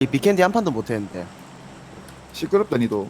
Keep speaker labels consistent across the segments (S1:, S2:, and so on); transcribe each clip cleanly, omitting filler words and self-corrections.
S1: 이 비캔디 한 판도 못 했는데.
S2: 시끄럽다 니도.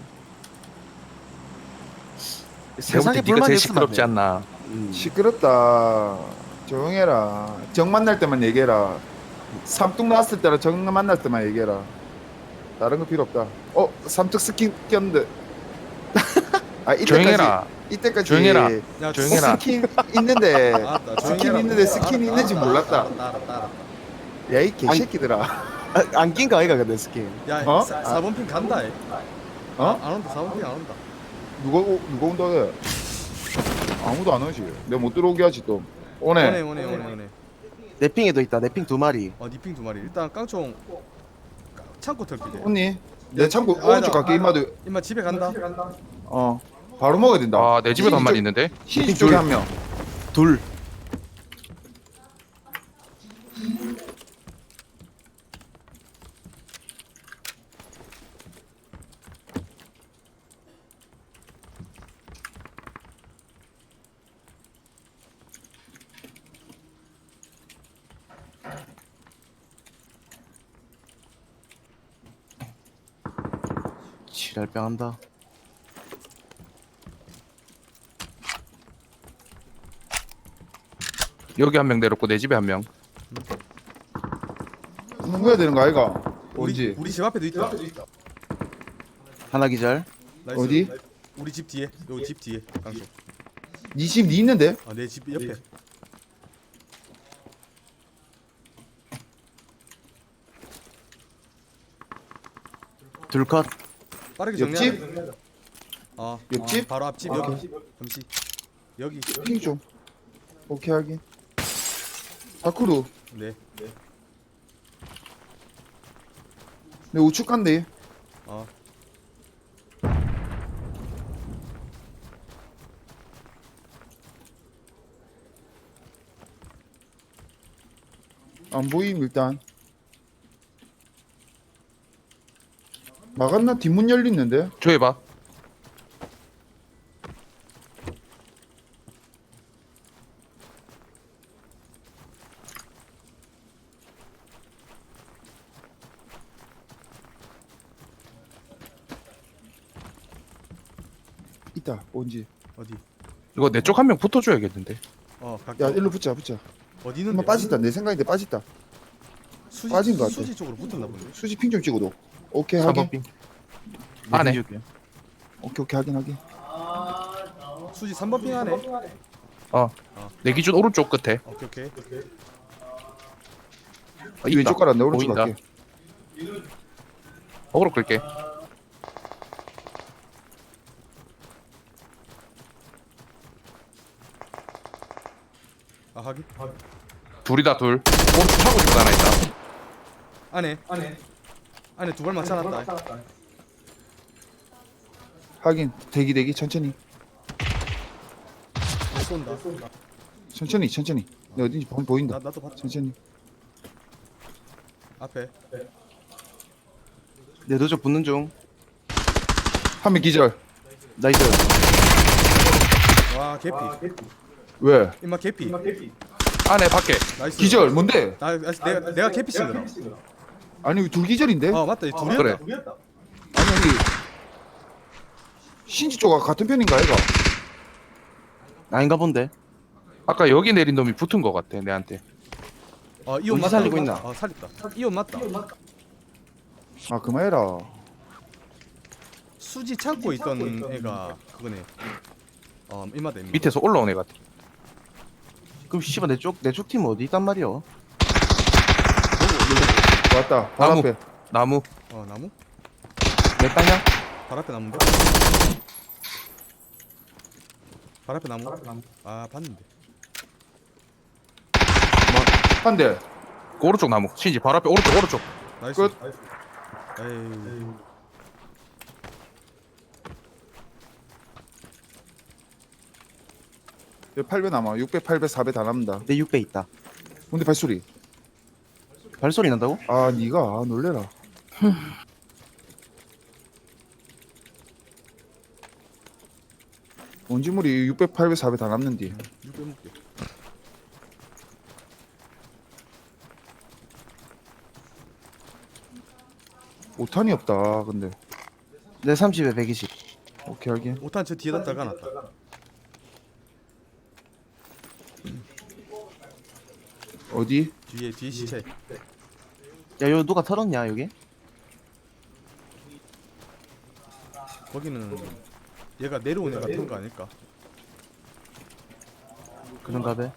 S1: 세상에
S3: 네가
S1: 불만이
S3: 제일
S1: 없으면 안
S3: 시끄럽지
S1: 돼.
S3: 않나.
S2: 시끄럽다. 조용해라. 정 만날 때만 얘기해라. 삼뚝 나왔을 때랑 정 만날 때만 얘기해라. 다른 거 필요 없다. 삼뚝 스킨 꼈는데. 아
S3: 조용해라.
S2: 이때까지
S3: 조용해라.
S4: 야,
S3: 조용해라.
S2: 스킨 있는데
S4: 알았다,
S2: 스킨
S4: 조용히
S2: 있는데
S4: 해라.
S2: 스킨이
S4: 알았다,
S2: 있는지
S4: 알았다,
S2: 몰랐다.
S4: 알았다.
S2: 야 이 개새끼들아.
S1: 안 낀 거 아이가 근데 스킨.
S4: 야,
S2: 어?
S4: 4번 핑 간다. 안 온다. 4번 핑 안 온다.
S2: 누가 온다 해. 아무도 안 오지. 내가 못 들어오게 하지 또. 오네.
S4: 오네.
S1: 내 핑에도 있다. 내 핑 두 마리.
S4: 니핑 두 마리. 일단 깡총 창고 털피게.
S2: 언니 내 창고
S4: 아,
S2: 오른쪽
S4: 나-
S2: 갈게. 임마도
S4: 임마 집에 간다.
S2: 바로 먹어야 된다.
S3: 아, 내 집에도 한 마리 있는데.
S2: 신지 쪽에 한 명.
S1: 둘. 지랄병 한다.
S3: 여기 한 명 내렸고 내 집에 한 명.
S2: 먹어야 되는 거 아이가? 어디지?
S4: 우리 집 앞에도 있다.
S1: 하나 기절.
S4: 나이스.
S2: 어디?
S4: 우리 집 뒤에. 여기 집 뒤에. 깡총.
S2: 니 있는데?
S4: 내 집 옆에.
S1: 둘 컷.
S4: 빠르게
S2: 옆집?
S4: 정리하자.
S2: 옆집?
S4: 바로 앞집 여기. 잠시. 여기.
S2: 핑 좀. 오케이 하긴. 다크루.
S4: 네.
S2: 내 우측 간대.
S4: 어.
S2: 안 보임 일단. 막았나? 뒷문 열리는데?
S3: 조회봐.
S2: 있다. 뭔지.
S4: 어디?
S3: 이거 내 쪽 한 명 붙어줘야겠는데.
S4: 갈게.
S2: 야 일로 붙자.
S4: 어디는?
S2: 한번 빠졌다. 내 생각인데 빠졌다.
S4: 수지,
S2: 빠진 것 같아.
S4: 수지 쪽으로 붙었나 본데.
S2: 수지 핑 좀 찍어도. 오케이 하긴.
S3: 3번 빙.
S1: 내
S3: 안에.
S1: 핑 줄게.
S2: 오케이 하긴.
S4: 수지 3번 핑 하네.
S3: 내 기준 오른쪽 끝에.
S4: 오케이.
S3: 있다.
S2: 왼쪽 가라. 내 오른쪽
S3: 보인다.
S2: 갈게.
S3: 어그로 끌게.
S4: 하긴.
S3: 둘이다 둘. 오른쪽 차고 집에 하나 있다.
S4: 안에 두 발 맞춰놨다.
S2: 하긴. 대기 천천히.
S4: 쏜다.
S2: 천천히. 내 어딘지 보인다.
S4: 나도 봤.
S2: 천천히.
S4: 앞에.
S1: 내 도적 붙는 중.
S2: 한 명 기절.
S1: 나이스.
S4: 와 개피.
S2: 왜?
S4: 임마 개피.
S3: 안에 밖에.
S4: 나이스.
S2: 기절 뭔데?
S4: 내가 개피 친 거다.
S2: 아니 둘 기절인데?
S4: 맞다. 이 둘이었다.
S3: 그래.
S2: 아니 신지 쪽과 같은 편인가 얘가?
S1: 아닌가 본데.
S3: 아까 여기 내린 놈이 붙은 거 같아 내한테.
S4: 이온
S1: 어디
S4: 맞다.
S1: 살리고 있나?
S4: 살렸다. 이온 맞다.
S2: 아 그만해라.
S4: 수지 창고에 있던 애가 그거네. 임마다 임마.
S3: 밑에서 올라온 애 같아.
S1: 그럼 씨발 내 쪽 팀 어디 있단 말이야?
S2: 왔다. 바로
S3: 나무.
S2: 앞에.
S3: 나무.
S4: 나무?
S1: 내 땅이야?
S4: 발 앞에 나무인데? 발 앞에 나무? 봤는데.
S2: 한 대.
S3: 그 오른쪽 나무. 신지 바로 앞에 오른쪽.
S4: 나이스.
S2: 끝.
S4: 에이.
S2: 여기 8배 남아. 6배, 8배, 4배 다 남는다.
S1: 내 6배 있다.
S2: 근데 발소리.
S1: 발소리 난다고?
S2: 아 니가 놀래라. 원지물이 600, 800, 400 다 남는디.
S4: 6배 먹게.
S2: 5탄이 없다 근데.
S1: 내 30에 120.
S2: 오케이 하긴.
S4: 5탄 저 뒤에다 달아놨다.
S2: 어디?
S4: 뒤에 시체.
S1: 야 이거 누가 털었냐 여기?
S4: 거기는 얘가 내려온 애 같은 거 아닐까?
S1: 그런가 봐.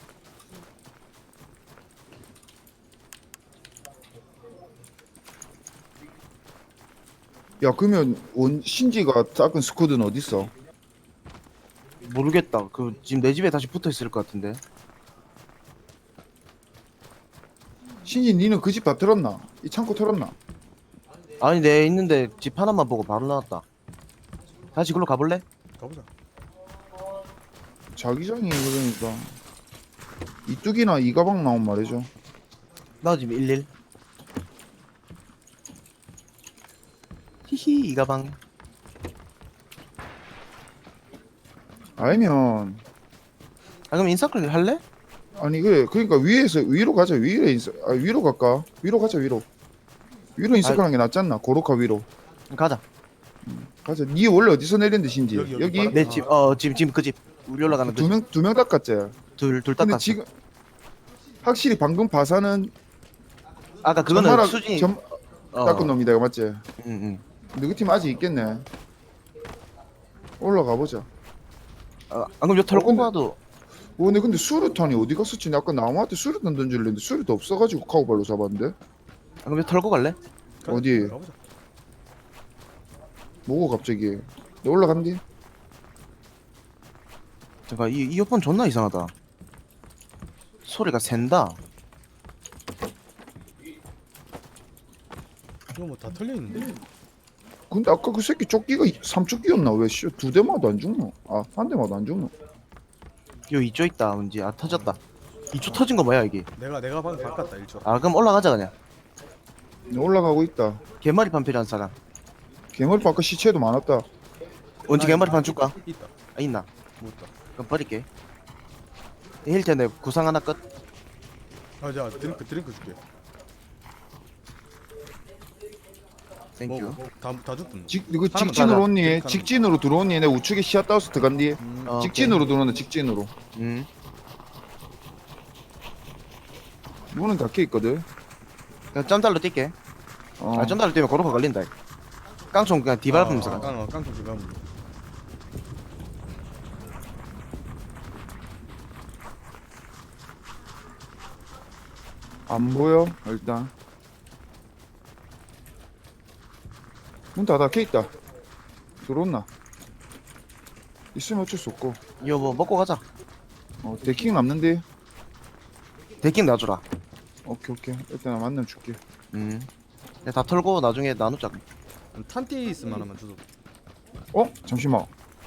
S2: 야 그러면 원 신지가 작은 스쿼드는 어디 있어?
S1: 모르겠다. 그 지금 내 집에 다시 붙어 있을 것 같은데.
S2: 신지 니는 그 집 다 털었나? 이 창고 털었나?
S1: 아니 내 있는데 집 하나만 보고 바로 나왔다. 다시 글로 가볼래?
S4: 가보자.
S2: 자기장이 그러니까 이뚝이나 이 가방 나온 말이죠.
S1: 나 지금 11. 히히 이 가방.
S2: 아니면
S1: 아 그럼 인서클 할래?
S2: 아니 그래 그러니까 위에서 위로 가자. 위로 갈까? 위로 가자 위로. 위로 인스크하는 게 낫지 않나? 고로카 위로
S1: 가자.
S2: 가자. 니 원래 어디서 내렸는데 신지?
S4: 여기 바로-
S1: 내 집 지금 그 집. 우리 올라가는 그 집.
S2: 두명 닦았지.
S1: 둘
S2: 근데
S1: 닦았어.
S2: 지금 확실히 방금 바사는
S1: 아까 그거는
S2: 전마라
S1: 수진이
S2: 닦은 놈이다 이거 맞지?
S1: 응응.
S2: 너희 팀 아직 있겠네. 올라가 보자.
S1: 아 그럼 요 털고
S2: 근데-
S1: 가도
S2: 근데 수류탄이 어디 갔었지? 나 아까 나무한테 수류탄 던질랬는데 수류탄 없어가지고 카우발로 잡았는데.
S1: 아 그럼 요 털고 갈래?
S4: 가자.
S2: 어디?
S4: 가보자.
S2: 뭐고 갑자기? 너 올라간디?
S1: 잠깐 이 이어폰 존나 이상하다. 소리가 샌다.
S4: 이거 뭐 다 털려 있는데?
S2: 근데 아까 그 새끼 조끼가 3조끼였나? 왜 두 대마도 안 죽노? 아, 한 대마도 안 죽노?
S1: 요 이쪽 있다. 뭔지 아 터졌다. 이쪽 터진 거 뭐야 이게?
S4: 내가 방금 바꿨다 1초.
S1: 아 그럼 올라가자 그냥.
S2: 올라가고 있다.
S1: 개머리판 필요한 사람.
S2: 개머리 아까 시체도 많았다.
S1: 언제 개머리판 줄까?
S4: 있다.
S1: 아 있나?
S4: 못다.
S1: 그럼 버릴게. 힐텐 내 구상 하나 끝.
S4: 아자 드링크 줄게.
S1: 땡큐.
S4: 뭐다 줬던데.
S2: 이거
S1: 사람
S2: 직진으로
S1: 가자.
S2: 온니?
S4: 직진하는
S2: 직진으로 들어온니? 내 우측에 시야 따서 들어간디?
S1: 어,
S2: 직진으로 들어온다 직진으로.
S1: 응.
S2: 문은 닫혀 있거든.
S1: 그냥 점달로 뛸게.
S2: 어.
S1: 아 점달로 뛰면 고로가 걸린다. 깡총 그냥 뒤밟으면서 가.
S4: 깡통 지금 가면 돼.
S2: 안 보여 일단. 문 다 닫혀 있다. 들어온나? 있으면 어쩔 수 없고.
S1: 이거 뭐 먹고 가자.
S2: 데킹 남는데.
S1: 데킹 놔주라.
S2: 오케이. 일단 만나면 줄게.
S1: 내가 다 털고 나중에 나누자.
S4: 탄띠 있으면 하나만 주소.
S2: 잠시만.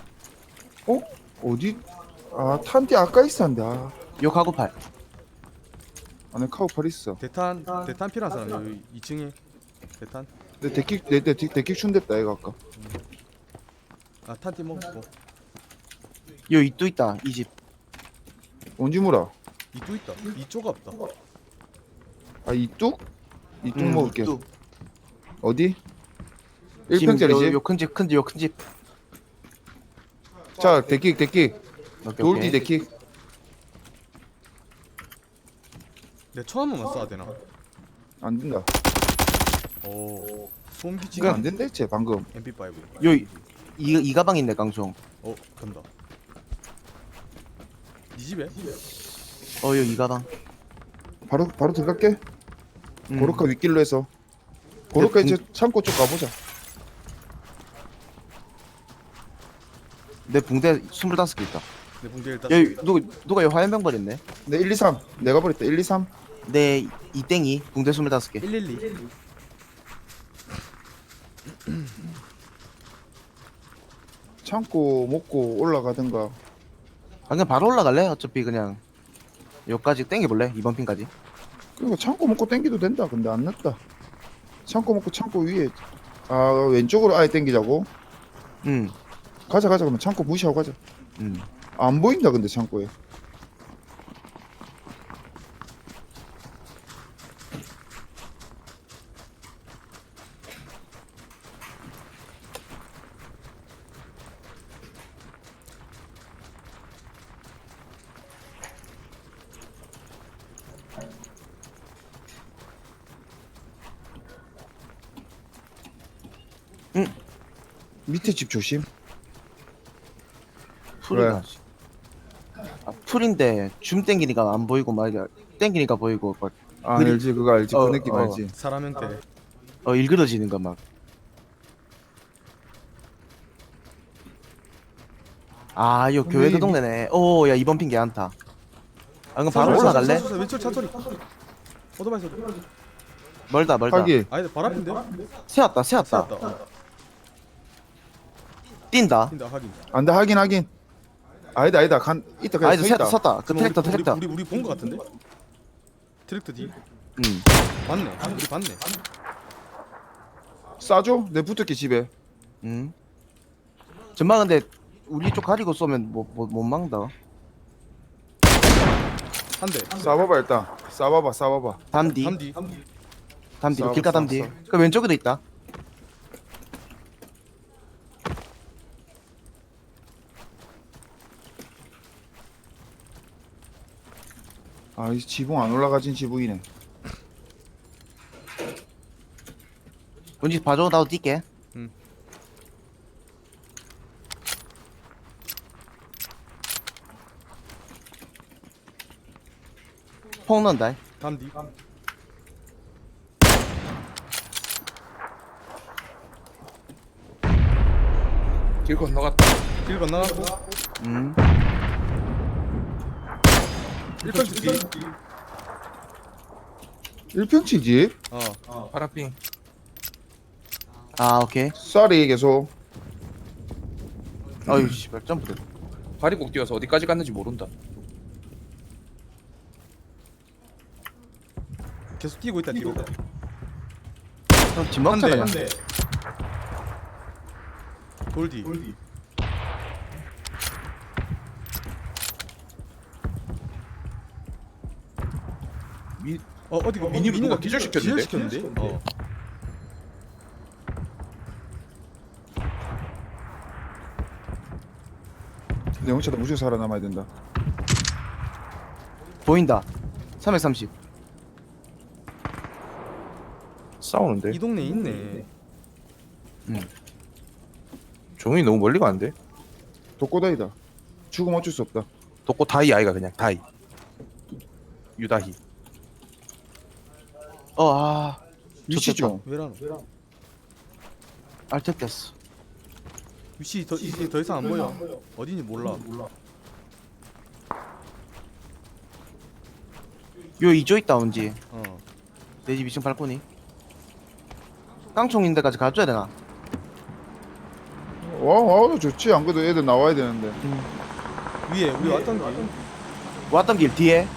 S2: 어디? 아 탄띠 아까 있었는데.
S1: 요 가구팔.
S2: 안에 카우팔 있어.
S4: 대탄 필요한 사람 여기 2층에 대탄.
S2: 내 데킥 춘댔다 얘가 아까.
S4: 아 탄띠 먹고.
S1: 요 이또 있다. 이 집.
S2: 언제 물어?
S4: 이또 있다. 이쪽가 없다.
S2: 아 이뚝? 이뚝 먹을게.
S1: 이뚝.
S2: 어디?
S1: 지금
S2: 1평짜리지?
S1: 요 큰 집, 요 큰 집.
S2: 자 데킥
S1: 오케이,
S2: 돌디
S1: 오케이.
S2: 데킥.
S4: 내 처음 한번 쏴야 되나?
S2: 안 된다.
S4: 오. 소음기
S2: 이거
S4: 지금
S2: 안 된다 했지 방금.
S4: MP5.
S1: 요 이 가방 있네 깡총.
S4: 간다. 네 집에?
S1: 요 이 가방.
S2: 바로 들어갈게. 고로카 윗길로 해서. 고로카 이제 창고 쪽 가보자.
S1: 내 붕대 25개 있다.
S4: 내 붕대 일단.
S1: 야 누가 요 화염병 버렸네.
S2: 네 1, 2, 3 내가 버렸다. 1, 2, 3
S1: 내 이땡이 붕대 25개.
S4: 112.
S2: 창고 먹고 올라가든가.
S1: 아 그냥 바로 올라갈래? 어차피 그냥 요까지 땡겨볼래? 이번 핀까지.
S2: 그러니까 창고 먹고 땡기도 된다. 근데 안 났다. 창고 먹고 창고 위에 왼쪽으로 아예 땡기자고.
S1: 응.
S2: 가자 그러면 창고 무시하고 가자.
S1: 응.
S2: 안 보인다 근데 창고에. 밑에 집 조심.
S1: 풀이가. 아, 풀인데 줌 땡기니까 안 보이고 막 이게 땡기니까 보이고 막
S2: 아
S1: 그리-
S2: 알지 그거 알지
S1: 어,
S2: 그 느낌
S1: 어.
S2: 알지.
S4: 사람 형태.
S1: 일그러지는 거 막. 아, 요 교회 그 동네네. 오, 야 이번 핑 괜찮다. 아, 그럼 바로 올라갈래?
S4: 왼쪽 차 소리. 오토바이 소리.
S1: 멀다.
S2: 하기
S4: 아니 발 앞인데?
S1: 세웠다.
S4: 세웠다. 어.
S1: 뛴다.
S4: 뛴다 확인.
S2: 안돼 하긴. 아니다 간 이따 그냥
S1: 아이도
S2: 서 있다.
S1: 섰다. 그 트랙터.
S4: 우리 본 거 같은데? 트랙터 뒤. 봤네. 우리 봤네.
S2: 싸줘? 내 붙을게 집에.
S1: 전방 근데 우리 쪽 가리고 쏘면 못 막는다.
S4: 한 대.
S2: 싸봐봐 일단. 싸봐봐.
S1: 담디.
S4: 담디.
S1: 담디로
S2: 싸워,
S1: 길가
S2: 싸워,
S1: 담디.
S2: 싸워.
S1: 그 왼쪽에도 있다.
S2: 아이 지붕 안 올라가진 지붕이네.
S1: 뭔지 봐줘. 나도 뛸게.
S4: 응.
S1: 폭 넣는다.
S4: 담디.
S3: 길 건너갔다.
S4: 길 건너갔고. 1번 뒤.
S2: 1평치 집?
S3: 파라핑.
S1: 아, 오케이.
S2: 쌀이 계속.
S1: 어휴, 씨발 점프.
S3: 발이 꼭 뛰어서 어디까지 갔는지 모른다.
S4: 계속 뛰고 있다 뒤로.
S1: 그럼 집 먹자 그냥.
S4: 돌디. 어디가
S3: 미니가 기절시켰는데?
S4: 기절시켰는데?
S2: 내 영차도 무조건 살아남아야 된다.
S1: 보인다. 330.
S3: 싸우는데.
S4: 이 동네에 있네.
S3: 종이 너무 멀리 가는데.
S2: 독고다이다. 죽으면 어쩔 수 없다.
S3: 독고 다이 아이가 그냥 다이. 유다희.
S2: 위치 좀.
S4: 왜라노?
S1: 알트 뺐어.
S4: 위치 이제 더 이상 안 보여. 어딘지 몰라.
S1: 요 이쪽 있다 온지.
S4: 어.
S1: 내 집 2층 발코니. 깡총 있는 데까지 가줘야 되나?
S2: 와 좋지. 안 그래도 애들 나와야 되는데.
S4: 위에 우리 왔던 길.
S1: 왔던 길 뒤에.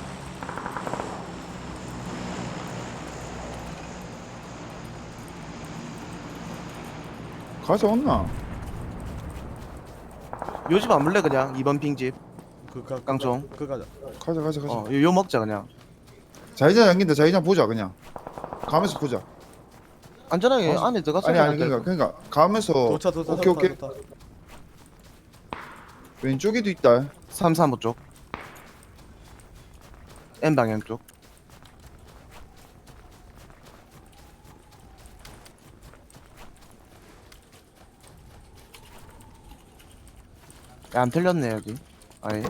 S2: 가져왔나?
S1: 요 집 안 물래 그냥 2번 핑집. 깡총.
S4: 그 가자.
S2: 가자.
S1: 요 먹자 그냥.
S2: 자기장 잠긴다. 자기장 보자 그냥. 가면서 보자.
S1: 안전하게 안에 들어가서.
S2: 아니 그러니까 가면서.
S4: 도차.
S2: 오케이. 왼쪽에도 있다.
S1: 335 쪽. N 방향 쪽. 야, 안 틀렸네 여기. 아예.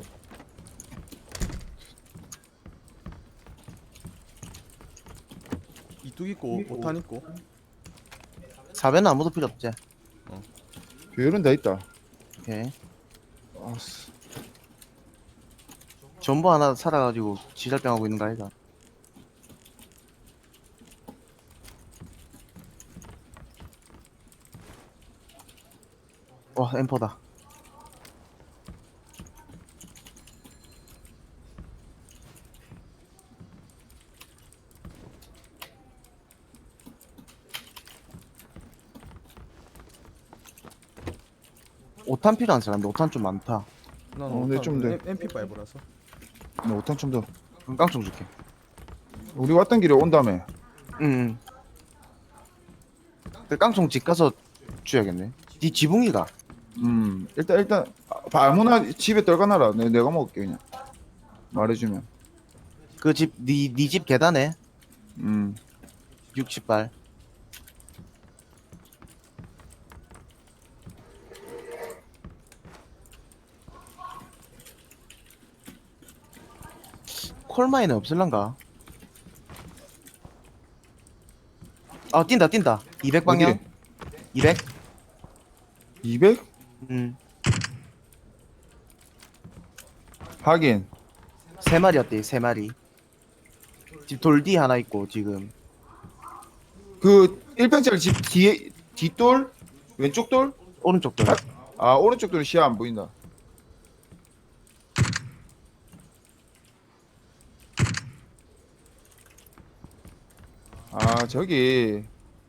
S4: 이뚝 있고 오탄 있고.
S1: 4배는 아무도 필요 없지.
S2: 배율은 다 있다.
S1: 오케이.
S2: 아씨.
S1: 전부 하나 살아가지고 지랄병 하고 있는 거 아니다. 와, 엠퍼다. 오탄 필요한 사람인데 오탄 좀 많다.
S4: 난
S2: 근데 좀 돼.
S4: MP5라서.
S2: 나 5탄 좀 더.
S1: 그럼 깡총 줄게.
S2: 우리 왔던 길에 온 다음에.
S1: 응. 그 깡총 집 가서 줘야겠네. 네 지붕이가.
S2: 일단 아무나 집에 떨가놔라. 내가 먹을게 그냥. 말해주면.
S1: 그 집, 네 집 계단에 60발. 콜마인은 없을란가? 아 뛴다 200 방향.
S2: 어디?
S1: 200.
S2: 200? 하긴.
S1: 3마리였대 3마리. 집 돌 뒤 하나 있고 지금.
S2: 그 1평짜리 집 뒤에 뒷돌? 왼쪽 돌?
S1: 오른쪽 돌.
S2: 아 오른쪽 돌은 시야 안 보인다. 아 저기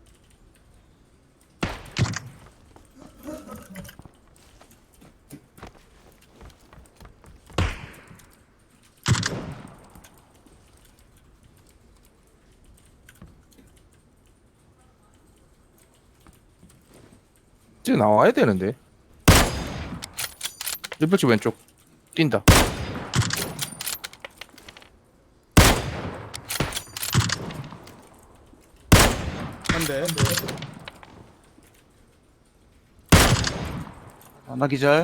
S3: 이제 나와야 되는데. 1번 왼쪽 뛴다.
S4: 한대.
S1: 하나 기절.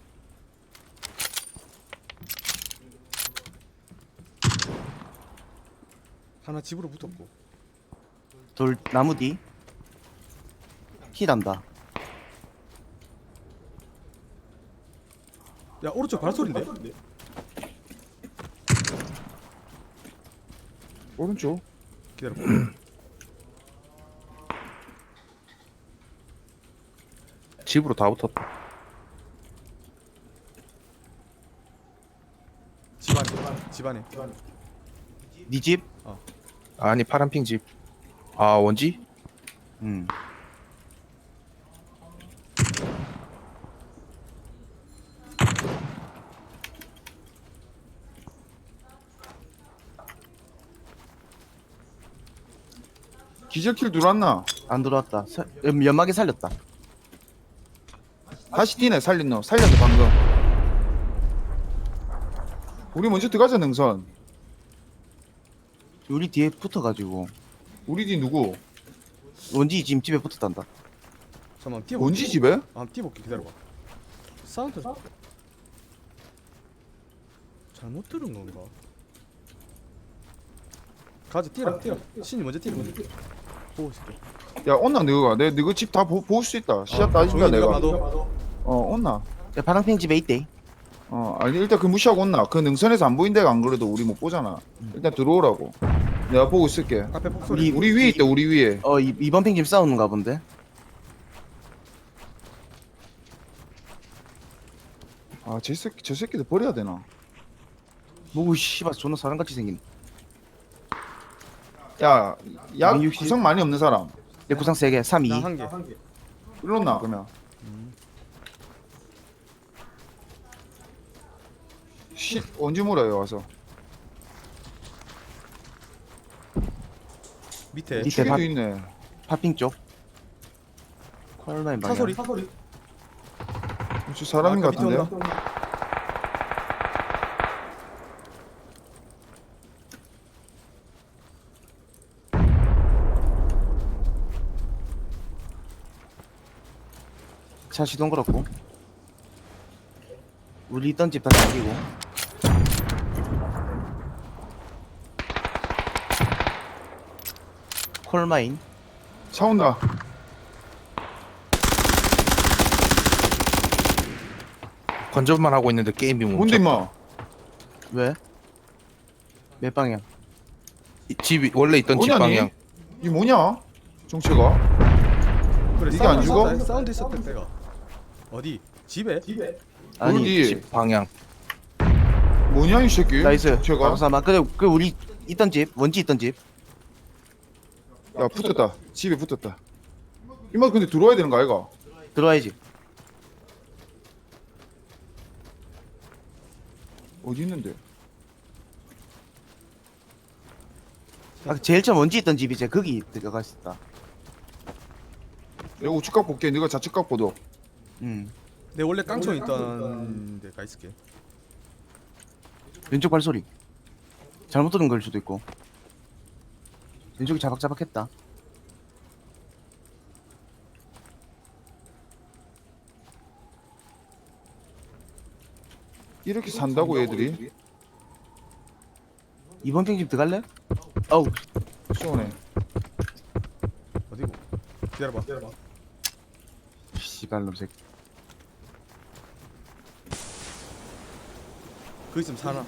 S4: 하나 집으로 붙었고.
S1: 돌 나무 뒤. 힐한다.
S4: 야 오른쪽 발소리인데?
S2: 오른쪽.
S4: 기다려.
S3: 집으로 다 붙었다.
S4: 집안에.
S1: 니 집?
S3: 아니 파란핑 집. 아 원지?
S2: 기절킬 들어왔나?
S1: 안 들어왔다. 연막에 살렸다.
S2: 다시 뛰네. 살린 너. 살렸어 방금. 우리 먼저 들어가자 능선.
S1: 우리 뒤에 붙어가지고
S2: 우리 뒤 누구?
S1: 원지 지금 집에 붙었단다.
S4: 잠깐만 뛰어.
S2: 뭔지 집에?
S4: 한번 뛰어볼게. 기다려봐. 사운드 잘못 들은 건가? 가자 뛰라. 신이 먼저 뛰라. 보고 있을게.
S2: 야 온나 너가 내 너가 집 다 볼 수 있다. 시야 따진다
S4: 조용히
S2: 내가.
S4: 봐도.
S2: 온나.
S1: 야, 파랑팽 집에 있대.
S2: 아니 일단 그 무시하고 온나. 그 능선에서 안 보인 데가 안 그래도 우리 못 보잖아. 일단 들어오라고. 내가 보고 있을게.
S4: 앞에 폭소리.
S2: 우리 위에 있다. 우리 위에.
S1: 이번 팽집 싸우는가 본데.
S2: 아 저 새끼들 버려야 되나?
S1: 뭐고 씨발 존나 사람같이 생긴.
S2: 야, 약
S1: 160?
S2: 구성 많이 없는 사람.
S1: 내 구상 3개 3, 2.
S4: 나한 개.
S2: 일렀나 그러면? 언제 물어요 와서?
S4: 밑에.
S1: 밑에
S2: 추기도
S1: 밥-
S2: 있네.
S1: 파핑 쪽. 콜라인 방향.
S4: 사소리.
S2: 저 사람인 것
S4: 아까 밑에
S2: 같은데요?
S4: 온다.
S1: 차 시동 걸었고. 우리 있던 집 다 잠기고. 콜마인.
S2: 차 온다.
S3: 건전만 하고 있는데 게임이
S2: 뭔데
S3: 멈췄다.
S2: 임마?
S1: 왜? 몇 방향?
S3: 집이 원래 있던 집
S2: 뭐냐니?
S3: 방향.
S2: 이 뭐냐? 정체가?
S4: 그래,
S2: 이게 안
S4: 사운드
S2: 죽어?
S4: 있었다. 사운드 있었다 때가. 어디? 집에?
S1: 아니
S2: 어디?
S3: 집 방향.
S2: 뭐냐 이 새끼?
S1: 나이스.
S2: 정체가?
S1: 박사마. 그 우리 있던 집 원지 있던 집.
S2: 야 붙었다. 집에 붙었다. 임마 근데 들어와야 되는 거 아이가?
S1: 들어와야지.
S2: 어디 있는데?
S1: 제일 처음 원지 있던 집이 이제 거기 들어가 있었다.
S2: 내가 우측각 볼게. 네가 좌측각 보도.
S4: 내 원래 깡총 있던 데 가 있을게.
S1: 왼쪽 발소리. 잘못 들은 걸 수도 있고. 왼쪽이 자박자박했다.
S2: 이렇게 산다고 애들이?
S1: 이번 핑집 들어갈래? 어우
S2: 쏘네.
S4: 어디고? 기다려봐.
S1: 씨발놈 새끼.
S4: 그 있으면 사나?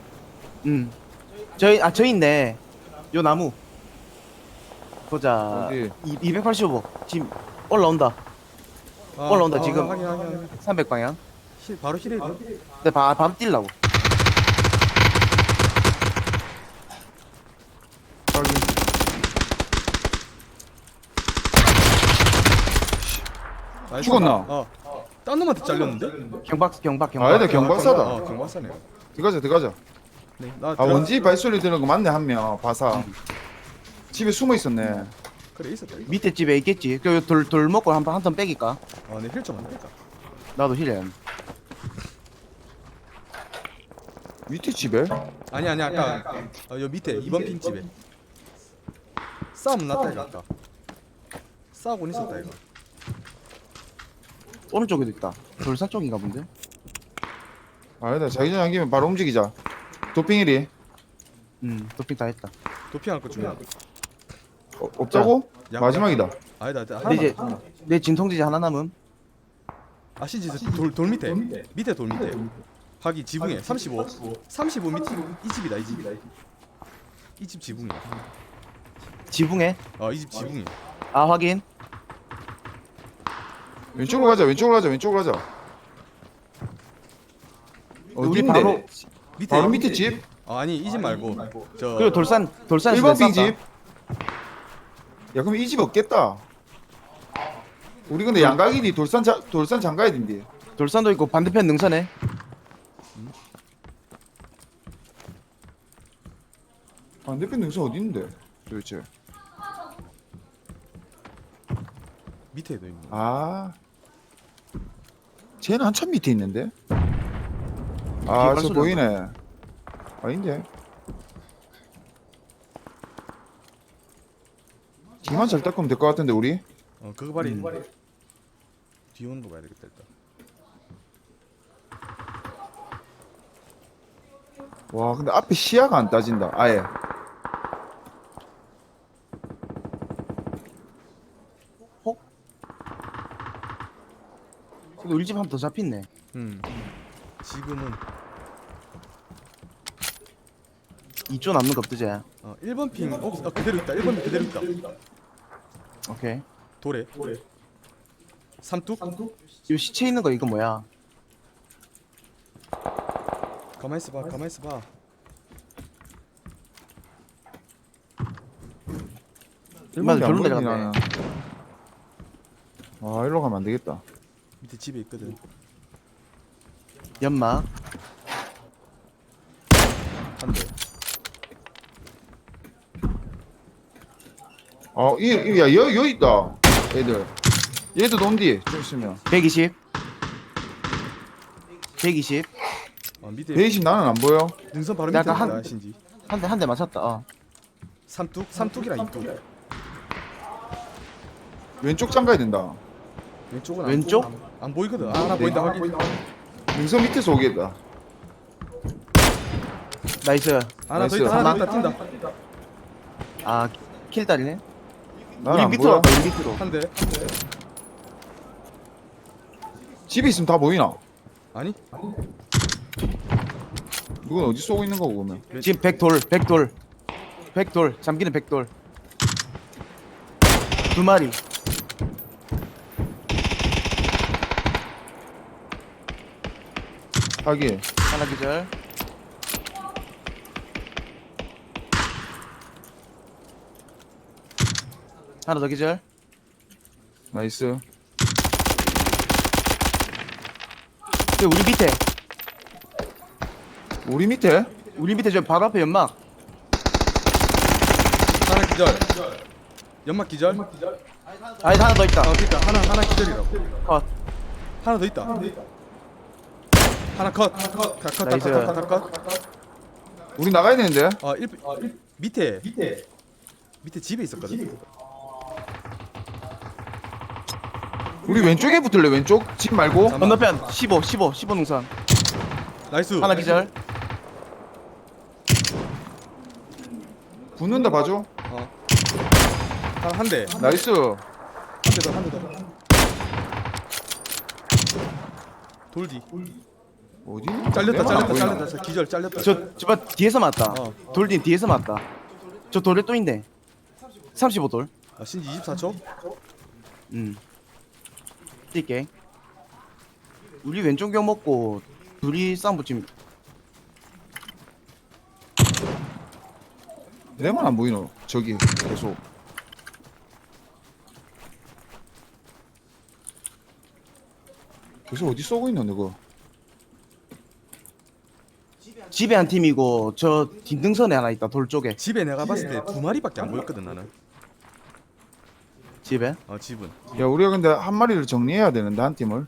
S1: 저희 있네. 요 나무. 보자.
S2: 어디?
S1: 285. 지금 올라온다.
S4: 아,
S1: 올라온다, 지금.
S4: 확인.
S1: 300방향.
S4: 바로 힐해.
S1: 근데 바로 뛸라고.
S4: 나이스.
S2: 죽었나?
S4: 딴 놈한테 잘렸는데?
S1: 경박.
S2: 아니다, 경박사다.
S4: 경박사네.
S2: 들어가자.
S4: 네, 나
S2: 아, 원지 발소리 들은 거 맞네, 한 명. 바사. 집에 숨어 있었네.
S4: 그래 있었다.
S1: 밑에 집에 있겠지. 돌 먹고 한턴 빼기까.
S4: 내 힐좀 안 될까?
S1: 나도 힐해.
S2: 밑에 집에?
S4: 아니 아까 여 밑에 2번 핑 집에 싸움 났다 이거 아까. 싸우고 있었다 이거.
S1: 오른쪽에도 있다. 돌산 쪽인가 본데.
S2: 아니다, 자기전 안기면 바로 움직이자. 도핑일이.
S1: 도핑 다 했다.
S4: 도핑할 거 중에.
S2: 없다고?
S4: 야,
S2: 마지막이다.
S4: 아니다.
S1: 근데 이제 내 진통제제 하나 남음.
S4: 아시지 돌 밑에 돌 밑에. 하기 지붕에 35 밑에 이 집이다 이 집. 이 집 지붕이야.
S1: 지붕에.
S4: 이 집 지붕이야.
S1: 아 확인.
S2: 왼쪽으로 가자.
S1: 우리
S2: 어딘데? 바로 밑에 집?
S4: 아니 이 집 말고 저
S1: 그리고 돌산
S2: 1번 빙 집? 야, 그럼 이 집 없겠다. 우리 근데 양각이니 돌산 장가야 된디.
S1: 돌산도 있고 반대편 능선에.
S2: 반대편 능선 어디 있는데? 도대체.
S4: 밑에도 있는.
S2: 아, 쟤는 한참 밑에 있는데?
S1: 개발
S2: 저
S1: 소리
S2: 보이네. 아닌데? 뒤만 잘 닦으면 될 것 같은데 우리?
S4: 그거 발이 뒤 오는 거 봐야 되겠다 일단.
S2: 와, 근데 앞에 시야가 안 따진다. 아예.
S1: 근데 우리 집 한 번 더 잡혔네.
S4: 지금은
S1: 2조 남는 거 없지?
S4: 1번 핑 그대로 있다. 1번 핑 그대로 있다.
S1: 오케이.
S4: 돌에 삼뚝.
S1: 이 시체 있는 거 이거 뭐야?
S4: 가만 있어봐.
S1: 맞아,
S2: 안
S1: 별로
S2: 보이지,
S1: 내려갔네.
S2: 나는. 아, 일로 가면 안 되겠다.
S4: 밑에 집에 있거든.
S1: 연막.
S4: 한 대.
S2: 여기 있다. 애들. 얘도 논디. 좀 있으면.
S1: 120. 120.
S4: 밑에
S2: 120 나는 안 보여.
S4: 능선 바로 밑에
S1: 약간
S4: 있다 신지.
S1: 한 대 맞췄다.
S4: 삼뚝이랑 이뚝.
S2: 왼쪽 장가야 된다.
S4: 왼쪽은
S1: 왼쪽?
S4: 안 보이거든. 하나 보인다 확인.
S2: 능선 밑에서 오겠다.
S1: 나이스.
S4: 하나 더
S2: 나이스.
S4: 있다. 하나 더 있다. 튄다.
S1: 아 킬다리네.
S2: 나는
S1: 우리
S2: 안
S1: 밑으로
S2: 보여.
S1: 왔다. 우리 밑으로.
S4: 한 대.
S2: 집에 있으면 다 보이나?
S4: 아니?
S2: 이건 어디 쏘고 있는 거고 그러면?
S1: 지금 백돌 잠기는 백돌. 2마리.
S2: 하기.
S1: 하나 기절. 하나 더 기절.
S2: 나이스.
S1: 우리 밑에.
S2: 우리 밑에?
S1: 저 바로 앞에 연막.
S4: 하나 기절. 연막 기절.
S1: 아니 하나 더 있다.
S4: 있다. 하나 기절이라고.
S1: 컷.
S4: 하나 더 있다. 하나 컷.
S1: 나이스.
S4: 컷.
S2: 우리 나가야 되는데?
S4: 밑에 집에 있었거든.
S2: 우리 왼쪽에 붙을래 왼쪽? 집 말고?
S1: 건너편 15 능선.
S4: 나이스.
S1: 하나 기절.
S2: 붙는다 봐줘.
S4: 한 대.
S2: 나이스.
S4: 한 대 더, 한 대 더. 돌디.
S2: 어디?
S4: 잘렸다. 기절 잘렸다.
S1: 저 뒤에서 맞다.
S4: 어.
S1: 돌딘 뒤에서 맞다. 저 돌에 또 있네. 35돌.
S4: 아, 신지 24초?
S1: 뛸게. 우리 왼쪽 경 먹고 둘이 싸움 붙임.
S2: 내만 안 보이노. 저기 계속. 계속 어디 쏘고 있노 너거?
S1: 집에 한 팀이고 저 뒷등선에 하나 있다. 돌 쪽에.
S4: 집에 내가 봤을 때 두 마리밖에 안 보였거든 나는.
S1: 집에.
S4: 집은.
S2: 야 우리가 근데 한 마리를 정리해야 되는데 한 팀을.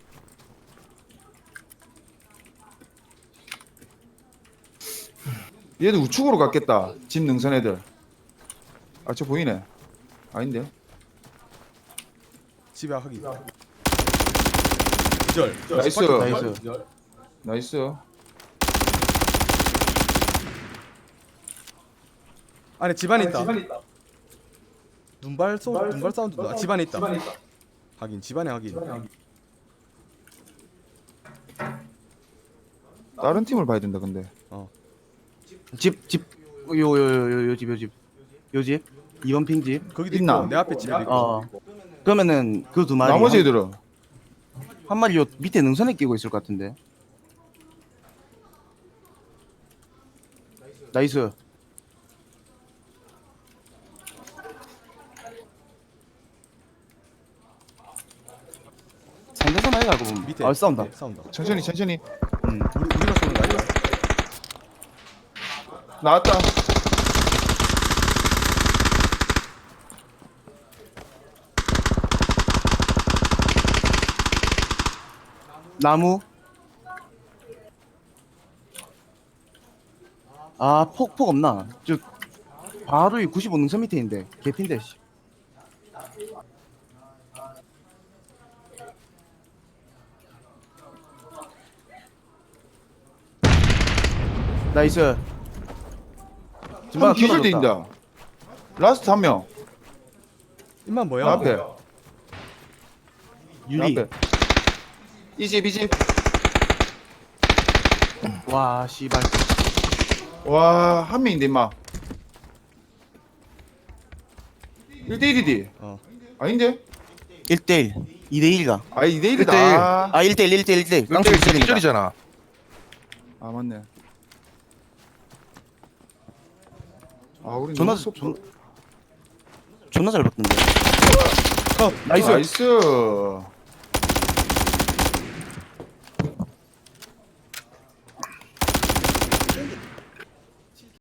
S2: 얘들 우측으로 갔겠다. 집 능선 애들. 아 저 보이네. 아닌데.
S4: 집에 하기. 기절.
S2: 나이스.
S1: 나이스.
S2: 나이스.
S4: 안에 집안에 있다. 눈발 사운드. 아, 집안에 있다. 하긴 집안에 하긴.
S2: 다른 팀을 봐야 된다 근데.
S1: 집. 요 집. 2번 핑 집.
S4: 거기도
S2: 있나?
S4: 있고 내 앞에 집에도 있고.
S1: 그러면은 그 두 마리.
S2: 나머지 애들은
S1: 한 마리 요 밑에 능선에 끼고 있을 것 같은데. 나이스. 상대선 아이가 알고 보면
S4: 밑에.
S1: 싸운다.
S4: 밑에 싸운다.
S2: 천천히.
S4: 우리가 쏘는 거 아니야?
S2: 나왔다.
S1: 나무. 폭 없나? 저 바로 이 95 능선 밑에 있는데 개핀데. 씨. 나이스.
S2: 한 기절돼있다. 라스트 한 명.
S4: 임만 뭐야?
S2: 나 앞에.
S1: 유리.
S2: 나 앞에. 이집.
S1: 와 씨발.
S2: 와, 한 명인데 임마. 1대1이디.
S4: 아닌데?
S1: 1대1 2대1가.
S2: 아 2대1이다.
S3: 1대1.
S1: 1대1
S3: 깡총 기절이잖아.
S2: 아 맞네. 아 우리
S1: 존나
S2: 너무 속-
S1: 존나 잘 봤던데.
S4: 컷.
S1: 나이스.
S2: 나이스.